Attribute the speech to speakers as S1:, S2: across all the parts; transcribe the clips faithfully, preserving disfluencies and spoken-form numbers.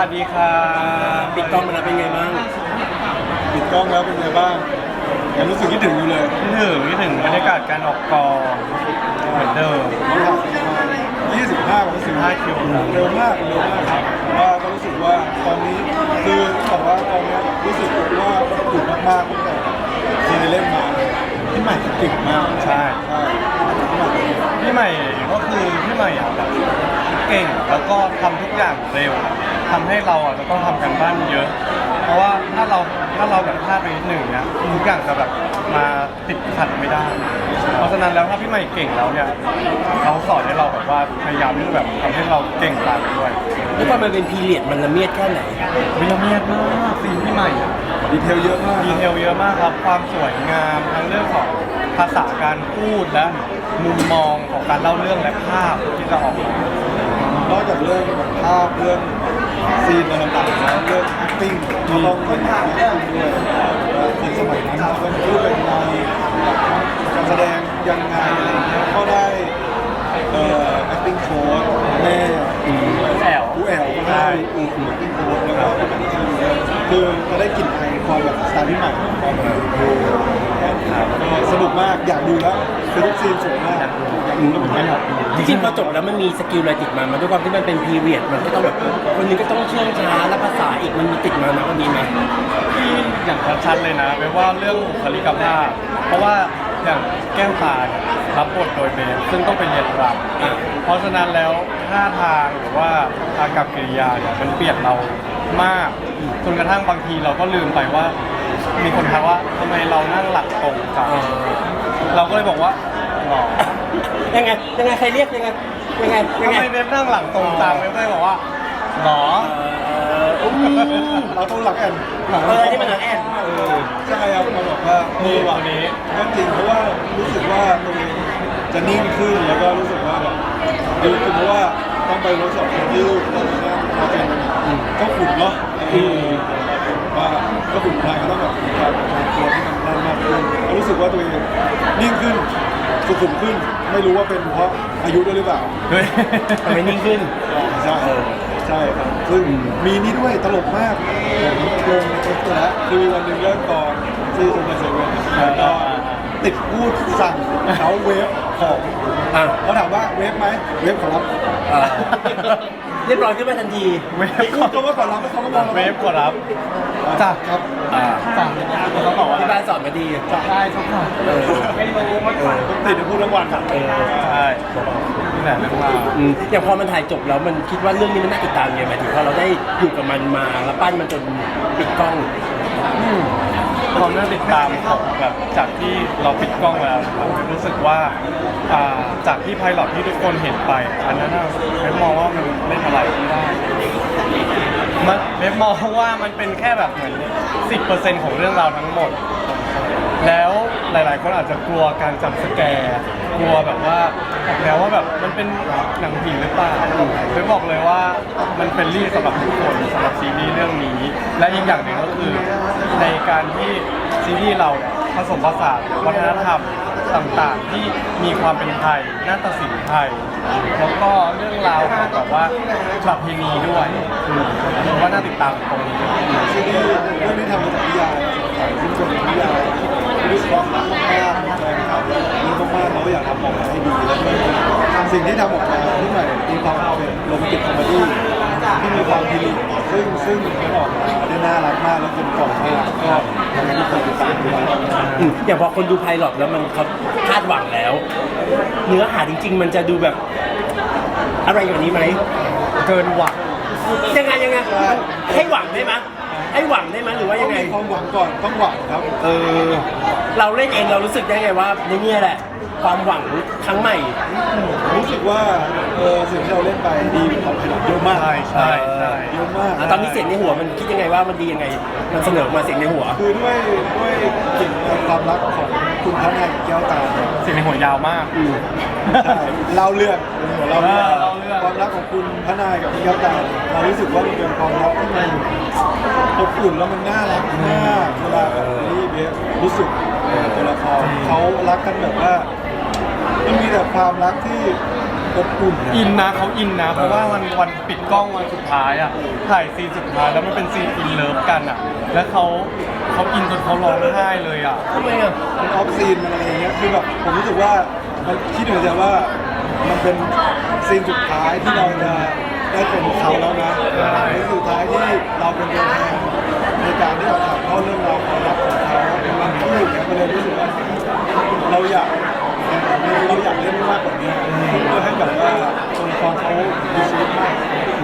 S1: วัสดีครับ
S2: ปิดกล้องมาแล้วเป็นไงบ้าง
S3: ปิดกล้องแล้วเป็นไงบ้างยังรู้สึกคิดถึงอยู่เลย
S1: คิดถึงคิดถึงบรรยากาศการออกกองเหมือนเดิม
S3: ยี่สิบห้าวันสิบห้าคิวเร็วมากเร็วมากครับว่าก็รู้สึกว่าตอนนี้คือแต่ว่าตอนนี้รู้สึกว่าถูกมากๆตั้งแต่ที่ได้เล่นมาพี่ใหม่เก่งมาก
S1: ใช่พี่ใหม่ก็คือพี่ใหม่อ่ะแบบเก่งแล้วก็ทำทุกอย่างเร็วทำให้เราอ่ะจะต้องทำกันบ้านเยอะเพราะว่าถ้าเราถ้าเราแบบพลาดไปนิดหนึ่งเนี่ยทุกอย่างจะแบบมาติดขัดไม่ได้เพราะฉะนั้นแล้วถ้าพี่ใหม่เก่งแล้วเนี่ยเขาสอนให้เราแบบว่าพยายามที่แบบทำให้เราเก่งตามไปด้วย
S2: แล้วพอมันเป็นพีเรียดมันละเมียดแค่ไหน
S1: วิละเมียดมากซีนพี่ใหม่
S3: ดีเทลเยอะมาก
S1: ดีเทลเยอะมากครับความสวยงามทั้งเรื่องของภาษาการพูดและมุมมองของการเล่าเรื่องและภาพที่จะออกม
S3: านอกจากเรื่องภาพเรื่องซีนต่างๆแล้วเรื่อง acting ก็ต้องเป็น acting ด้วยคนสมัยนั้นเป็นพูดเป็นไงการแสดงยังไงอะไรเงี้ยก็ได้เอ่อ acting coach แม่
S1: แอล
S3: ผู้แอลก็ได้ acting coach แล้วก็คือจะได้กลิ่นไอความแบบสไตล์พี่ใหม่ความแบบสนุกมากอยากดูแล้วคือทุกซีนสวยมากอยากดูแล้วเหมือนกัน
S2: จริงๆพอจบแล้วมันมีสกิลอะไรติดมามันด้วยความที่มันเป็นพีเรียดมันก็ต้องแบบคนนี้ก็ต้องเชื่องช้าและภาษาอีกมันมีติดมานะวันนี้ไหม
S1: ที่อย่างชัดๆเลยนะแปลว่าเรื่องบุคลิกภาพเพราะว่าอย่างแก้วตาเนี่ยรับบทโดยเบฟซึ่งต้องเป็นเรียนรำเพราะฉะนั้นแล้วท่าทางหรือว่าอากับกิริยาเนี่ยมันเปลี่ยนเรามากจนกระทั่งบางทีเราก็ลืมไปว่ามีคนทักว่าทำไมเรานั่งหลักตรงจังเราก็เลยบอกว่าหรอ
S2: ยังไงยังไงใครเรียกยังไงยังไง
S1: ทำไมเบฟนั่งหลังตรงจังเบฟก็เลยบอกว่าหรอ
S3: เราต้องหลักแอน
S2: เออที่มันหลักแอน
S3: ใช่ครับมาบอกว่า
S1: นี่วันนี้
S3: ก็จริงเพราะว่ารู้สึกว่าตรงนี้จะนิ่งขึ้นแล้วก็รู้สึกว่าแบบดีขึ้นเพราะว่าต้องไปเวิร์กช็อปยืดตรงนี้มาเป็นก็ขุ่นเนาะว่าก็ขุ่นไทยก็ต้องแบบการตัวที่มันแน่นมากขึ้นรู้สึกว่าตัวเองนิ่งขึ้นสุขุมขึ้นไม่รู้ว่าเป็นเพราะอายุด้วยหรือเปล่า
S1: เฮ้ย
S2: ทำไมนิ่งขึ้น
S3: ใช่ใช่ครับซึ่งมีนี่ด้วยตลกมากผมลงในเอ็กซ์แล้วคือวันหนึ่งเริ่มตอนที่ตรงในเซเว่นก็ติดพูดสั่งเขาเวฟของเขาถามว่าเวฟไหมเวฟขอรับ
S2: เรียบร้อยขึ้นมาทันที
S1: เวฟ
S3: ก็ว่าขอรับไม่เขาก็มอง
S1: เวฟขอรับจ้ะ
S3: ครับ
S1: สั่งเขาบอกว่า
S2: ที่บ้านสอนมาดี
S1: ใช่ทุกคนไม่รู้ว่า
S3: ติดพูดทั้งวันอ่ะ
S1: ใช่นี่แหละเรื่องราว
S2: อย่างพอมันถ่ายจบแล้วมันคิดว่าเรื่องนี้มันน่าติดตามยังไงหมายถึงว่าเราได้อยู่กับมันมาแล้วปั้นมันจนปิดกล้อง
S1: ความน่าติดตามของแบบจากที่เราปิดกล้องแล้วเรารู้สึกว่าจากที่ไพลอตที่ทุกคนเห็นไปอันนั้นเว็บมองว่ามันเล่นอะไรไม่ได้มันเว็บมองว่ามันเป็นแค่แบบเหมือน สิบเปอร์เซ็นต์ ของเรื่องราวทั้งหมดแล้วหลายๆคนอาจจะกลัวการจับสแกร์กลัวแบบว่าแล้วว่าแบบมันเป็นหนังผีหรือเปล่าเว็บบอกเลยว่ามันเป็นรีสำหรับทุกคนสำหรับซีรีส์เรื่องนี้และอีกอย่างหนึ่งก็คือในการที่ซีรีส์เราผสมผสานวัฒนธรรมต่างๆที่มีความเป็นไทยนาฏศิลป์ไทยแล้วก็เรื่องราวของแบบว่าประเพณีด้วยผมว่าน่าติดตามตรงนี้
S3: ซีรีส์เรื่องนี้ทำมาจากนิยายซึ่งเป็นนิยายด้วยความรักมากๆแฟนคลับนี่มากๆเราก็อยากทำออกมาให้ดีแล้วสิ่งที่ทำออกมาที่ใหม่มีความเป็นโรแมนติกคอมเมดี้ที่มีความพิลิตซึ่งซึ่งมันออกมาได้น่ารักมากแล้วกลมกล่อมมากก็ทำให้ทุกคนติดตามด้วย
S2: อย่างพอคนดูไพลอตแล้วมันเขาคาดหวังแล้วเนื้อหาจริงๆมันจะดูแบบอะไรอย่างนี้ไหม
S1: เกินหวัง
S2: ยังไงยังไงให้หวังได้ไหมให้หวังได้ไหมหรือว่ายังไง
S3: ความหวังก่อนต้องหวังครับ
S2: เออเราเล่นเองเรารู้สึกได้ไงว่านี่แหละความหวังครั้งใหม่
S3: รู้สึกว่าเออสิ่งที่เราเล่นไปดีของไพลอตเยอะมาก
S1: ใช่ใช่ใช่
S3: เยอะมาก
S2: ตอนนี้เสียงในหัวมันคิดยังไงว่ามันดียังไงมันเสนอมาเสียงในหัว
S3: คือด้วยด้วยกลิ่นความรักของคุณพระนายแก้วตา
S1: เสียงในหัวยาวมาก
S3: ใช่เราเลือกเราเลือกความรักของคุณพระนายกับแก้วตาเรารู้สึกว่ามันเป็นความรักที่มันอบอุ่นแล้วมันน่ารักมากเวลาแบบนี้เบสรู้สึกตัวละครเขารักกันแบบว่ามันมีแต่ความรักที่อบอุ่นนะ
S1: อินนะเขาอินนะ เพราะว่าวันวันปิดกล้องวันสุดท้ายอ่ะถ่ายซีนสุดท้ายแล้วมันเป็นซีนอินเลิฟกันอ่ะ แล้วเขาเขาอินจนเขาร้องไห้เลยอ่ะ
S2: ทำไมอ่ะ
S3: มันออฟซีนมันอะไรอย่างเงี้ยคือแบบผมรู้สึกว่ามันคิดเหมือนกันว่ามันเป็นซีนสุดท้ายที่เราจะได้เป็นเขาแล้วนะเป็นสุดท้ายที่เราเป็นตัวแทนในการที่เราถ่ายทอดเรื่องราวความรักของเขามันก็เลยเนี่ยมันเลยรู้สึกว่าเราอยากเราอยากเล่นมากกว่านี้เพื่อให้แบบว่าตัวละครเขามีชีวิตมาก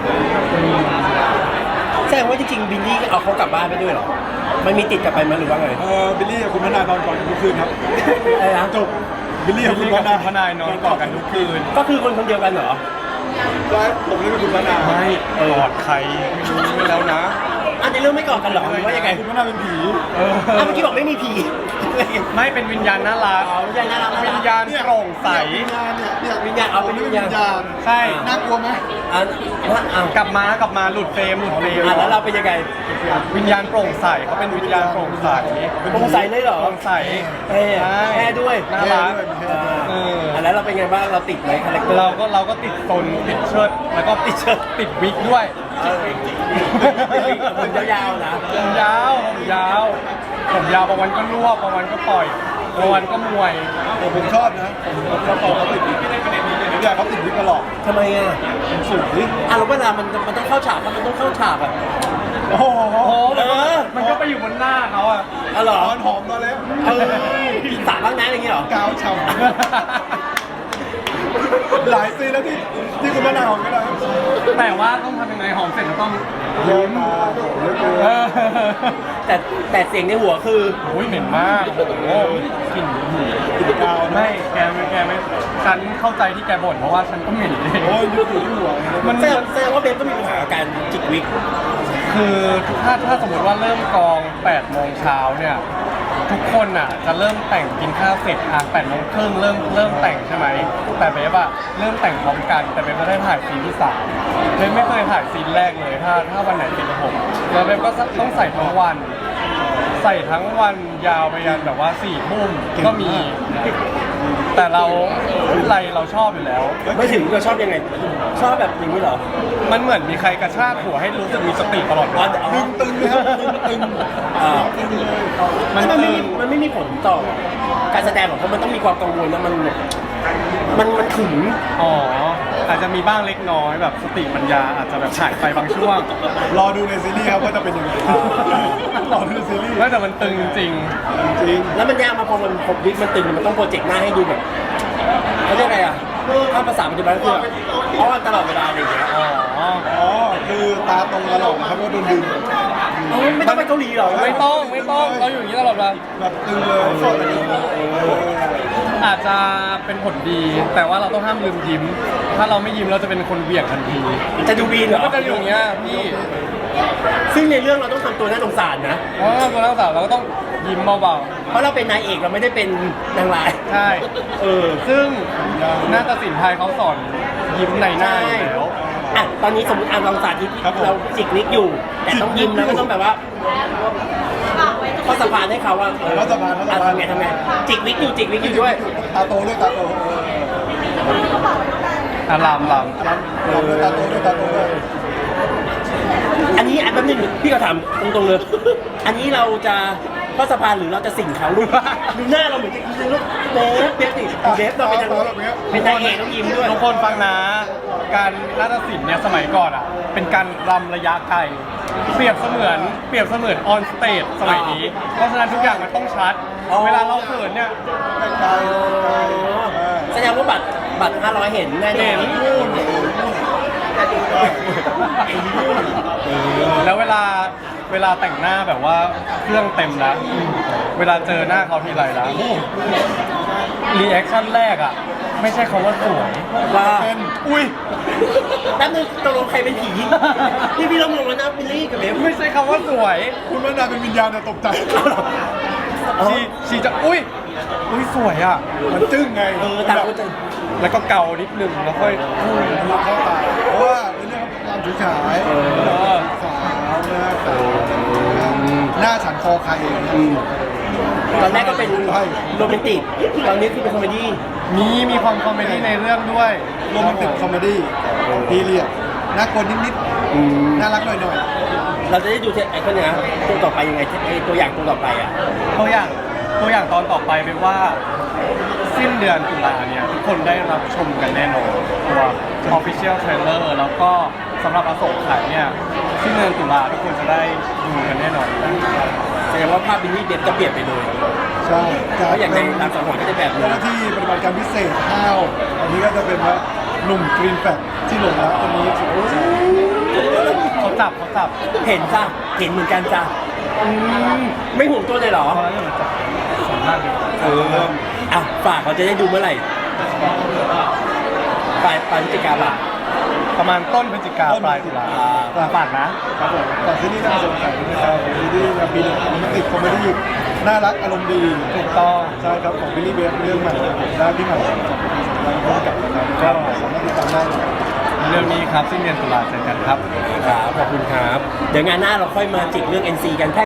S2: แสดงว่าจริงๆบิลลี่เอาเขากลับบ้านไปด้วยเหรอมันมีติดกลับไปไหมหรือว่าไง
S3: เออบิลลี่กับคุณพนานอนก่อนกันทุกคืนครับ
S2: อะไรนะ
S3: จบบิลลี่กับ
S1: บิล
S3: คุณ
S1: ลี่
S3: พ
S1: กับ
S3: นาน
S1: คุณพนายนอนกอดกันทุกคืน
S2: ก็คือคนคนเดียวกันเหรอ
S3: แล้วผมเล่นเป็นคุณพนาน
S1: ไม่กอดใครไม่รู้ไม่แล้วนะ
S2: อันในเรื่องไม่กอดกันเหรอหรือว่ายังไง
S3: คุณพนานเป็นผี
S1: เออ
S2: อ้าวเมื่อกี้บอกไม่มีผี
S1: ไม่เป็นวิญญาณน่ารัก
S2: อ๋อวิญญาณน่ารัก
S1: วิญญาณโปร่งใส
S3: วิญญาณเนี่ยเนี่ย
S2: วิญญาณเอาเป็นวิญญาณ
S1: ใช่
S3: น่ากลัวไหม
S2: อ่ะอ่ะ
S1: กลับมากลับมาหลุดเฟรมหลุดเฟรม
S2: อ่ะแล้วเราเป็นยังไง
S1: วิญญาณโปร่งใสเขาเป็นวิญญาณโปร่งใส
S2: โปร่งใสเลยเหรอ
S1: โปร่งใส
S2: แพ้แพ้ด้วย
S1: น่ารัก
S2: อ่า
S1: เออ
S2: อ่ะแล้วเราเป็นไงบ้างเราติดไหมคาแรคเตอร์
S1: เราก็เราก็ติดตนติดเชิดแล้วก็ติดเชิดติดวิกด้วย
S2: เออผมยาวๆนะ
S1: ผมยาวผมยาวผมยาวบางวันก็รวบบางวันก็ปล่อยบางวันก็มวย
S3: แต่ผมชอบนะผมผมชอบเขาติดวิกผมอยากเขาติดวิกตลอด
S2: ทำไมอ่ะ
S3: ผมสูงดิ
S2: อ่ะแล้วเวลามันมันต้องเข้าฉากปะมันต้องเข้าฉากอ่ะ
S3: โอ้โห
S1: โอ้โห
S2: เออ
S1: มันก็ไปอยู่บนหน้าเขาอะ
S2: อ๋อเหรอ
S3: ตอนหอมตอนแล้ว
S2: เออสาบ้างนะอย่างเงี้ยเหรอ
S3: กาวฉ่ำหลายซีนแล้วที่ที่คุณพนานหอมกันแล้ว
S1: แต่ว่าต้องทำยังไงหอมเสร็จแล้วต้อง
S3: เยอะมากเยอะเกิน
S1: เออ
S2: แต่แต่เสียงในหัวคือ
S1: โอ้ยเหม็นมากโอ้โหกลิ่น
S3: กินกาวนะ
S1: ไม่แกไม่แกไม่ฉันเข้าใจที่แกบ่นเพราะว่าฉันก็เหม็นเอง
S3: โอ้ยยุบอยู่ที่หัว
S1: มัน
S2: แสดงแสดงว่าเบฟก็มีปัญหากับการจิกวิก
S1: คือถ้าถ้าสมมติว่าเริ่มกองแปดโมงเช้าเนี่ยทุกคนอ่ะจะเริ่มแต่งกินข้าวเสร็จอ่ะแปดโมงครึ่งเริ่มเริ่มแต่งใช่ไหมแต่เบฟอ่ะเริ่มแต่งพร้อมกันแต่เบฟไม่ได้ถ่ายซีนที่สามเบฟไม่เคยถ่ายซีนแรกเลยถ้าถ้าวันไหนเป็นผมแล้วเบฟก็ต้องใส่ทั้งวัน ใส่ทั้งวันยาวไปยันแบบว่าสี่ทุ่มก็มี แต่เราอะไรเราชอบอยู่แล้ว
S2: ไม่ถึงเราชอบยังไง ชอบแบบอย่างนี้เหรอ
S1: มันเหมือนมีใครกระชากหัวให้รู้สึกมีสติตลอดเว
S2: อ๋อ
S1: ลา
S2: อ๋อ
S3: ตึงตึงเลยครับตึงตึง
S2: อ่า
S3: ตึงเลย
S1: มัน
S2: มันไม่
S1: ตึ
S2: มี
S1: ง
S2: มันไม่มีผลต่อการแสดงหรอกเพราะมันต้องมีความกังวลนะมันมันมันถึง
S1: อ๋ออาจจะมีบ้างเล็กน้อยแบบสติปัญญาอาจจะแบบหายไปบางช่วง
S3: รอดูในซีรีส์ครับว่าจะเป็นยังไงรอดูในซีรีส์
S1: ไม่แต่มันตึงจริง
S3: จริง
S2: แล้วมันยากมาพอมันพอวิกมันตึงมันต้องโปรเจกต์หน้าให้ดูแบบเขาเรียกอะไรอ่ะถ้าภาษาปัจจุบันก็คือแบบเพราะว่าตลอดเวลาอะไรอย่างเงี้ย
S1: อ๋อ
S3: อ๋อคือตาตรงตลอดนะครับว่าโดนดึง
S2: เอ้าไม่ต้องไปเกาหลีหรอ
S1: ไม่ต้องไม่ต้องเราอยู่อย่างนี้ตลอดเวลา
S3: แบบตึงเลยสดเลย
S1: อาจจะเป็นผลดี แต่ว่าเราต้องห้ามลืมยิ้ม ถ้าเราไม่ยิ้มเราจะเป็นคนเหวี่ยงทันที
S2: จะดูบีนเหรอ
S1: ก็จะอยู่อย่างเงี้ยพี่
S2: ซึ่งในเรื่องเราต้องทำตัวน่าสงสารนะ
S1: เพราะว่าตัวนักศึกษาเราก็ต้องยิ้มเบา
S2: เพราะเราเป็นนายเอกเราไม่ได้เป็นนางร้าย
S1: ๆใช่
S2: เออ
S1: ซึ่งนาฏศิลป์ไทยเขาสอนยิ้มในหน้าอยู่แล้ว
S2: อ่ะตอนนี้สมมติอ่ะเราสาธิตเราจิกนิกอยู่ แต่ต้องยิ้มแล้วก็ต้องแบบว่าข้อสะพานให้เขาว่าเออ
S3: เขาสะพานเขาสะพาน
S2: ทำไงทำไงจิกวิกอยู่จิกวิกอยู่ด้วย
S3: ตาโตด้วยตาโต
S1: อารามล
S3: เออตาโตด้วยตาโตด้วย
S2: อันนี้อันแป๊บนึงพี่ก็ถามตรงๆเลย อันนี้เราจะข้อสะพานหรือเราจะสิ่งเขาลูกดูหน้าเราเหมือนจะกินลูกเบฟเบฟดิเบฟเราเป็นนางเป็นนางเอกต้องยิ้มด้วย
S1: ทุกคนฟังนะ การนาฏศิลป์เนี่ยสมัยก่อนอ่ะ เป็นการรำระยะไกล เปรียบเสมือนเปรียบเสมือนออนสเตจสมัยนี้ เพราะฉะนั้นทุกอย่างมันต้องชัด
S2: อ๋อ
S1: เวลาเราเขินเนี่ย
S3: ไกล
S2: แสดงว่าบัตรบัตรห้าร้อยเห็นแน่น
S1: เห็
S2: อน
S1: นแล้วเวลาเวลาแต่งหน้าแบบว่าเครื่องเต็มแล้ว เวลาเจอหน้าเขาทีไรแล้วรีแอคชั่นแรกอ่ะ ไม่ใช่คำว่าสวย
S2: ว่า
S3: เป็น
S1: อุ้ย
S2: แป๊บนึงตกลงใครเป็นผีพี่พี่ลงลงแล้วนะบิลลี่กับเบฟ
S1: ไม่ใช่คำว่าสวย
S3: คุณว่านาเป็นวิญญาณเนี่ยตกใจ
S1: ชีชีจะอุ้ยอุ้ยสวยอ่ะ
S3: มันจึ้งไง
S2: เออต่างคนต่าง
S1: แล้วก็เกานิดนึงแล้วค่อย
S3: มันเข้าตาเพราะว่าเป็นเรื่องความฉุยฉาย
S1: เออ
S3: สาวหน้าขาวหน้าฉันคอใครเอง
S2: อืมตอนแรกก็เป็นโรแมนติกตอนนี้คือเป็นคอมเมดี้
S1: มีมีความคอมเมดี้ในเรื่องด้วย
S3: โรแมนติกคอมเมดี้พีเรียดน่ากลัวนิดๆน่ารักหน่อย
S2: เราจะได้ดูไอ้คนเนี้ยตัวต่อไปยังไงไอ้ตัวอย่างตัวต่อไปอ่ะ
S1: ตัวอย่างตัวอย่างตอนต่อไปเป็นว่าสิ้นเดือนตุลาเนี่ยทุกคนได้รับชมกันแน่นอนตัว Official Trailer แล้วก็สำหรับอโศกขายเนี่ยสิ้นเดือนตุลาทุกคนจะได้ดูกันแน่นอน
S2: แสดงว่าภาพบินนี่เด็จะเปลี่ยนไปเลย
S3: ๆใช่
S2: เพราะอย่างในรามสังหรณ์ก็จะแบบนึ
S3: เจ้าง หน้าที่ปฏิบัติการพิเศษห้าวอันนี้ก็จะเป็นว่าหนุ่มกรีนแฟกที่หลงรักคนนี้
S1: เขาจับเขาจับ
S2: เห็นจ้ะเห็นเหมือนกันจ้ะอืมไม่ห่วงตัวเลยเหรอ
S1: เพราะฉะนั้นมันจับสองด้านเลย
S3: เออ
S2: อ่ะฝากเขาจะได้ดูเมื่อไหร่ปลายปลายพฤศจิกาบ่ะ
S1: ประมาณต้นพฤศจิกาปลายตุลาฝากนะครับ
S3: ผมแต่ที่นี่น่าสนใจนะครับที่นี่แบบปีหนึ่งโรแมนติกคอมเมดี้น่ารักอารมณ์ดี
S1: ถูกต้อง
S3: ใช่ครับของบิลลี่เบฟเรื่องใหม่ของผมได้ที่ใหม่จากเราพบกับนะครับก็สามารถติดตามได้
S1: เรื่องนี้ครับสิ้นเดือนตุลาเจอกันครับ
S2: ครับขอบคุณครับ เดี๋ยวงานหน้าเราค่อยมาจิกเรื่อง เอ็น ซี กัน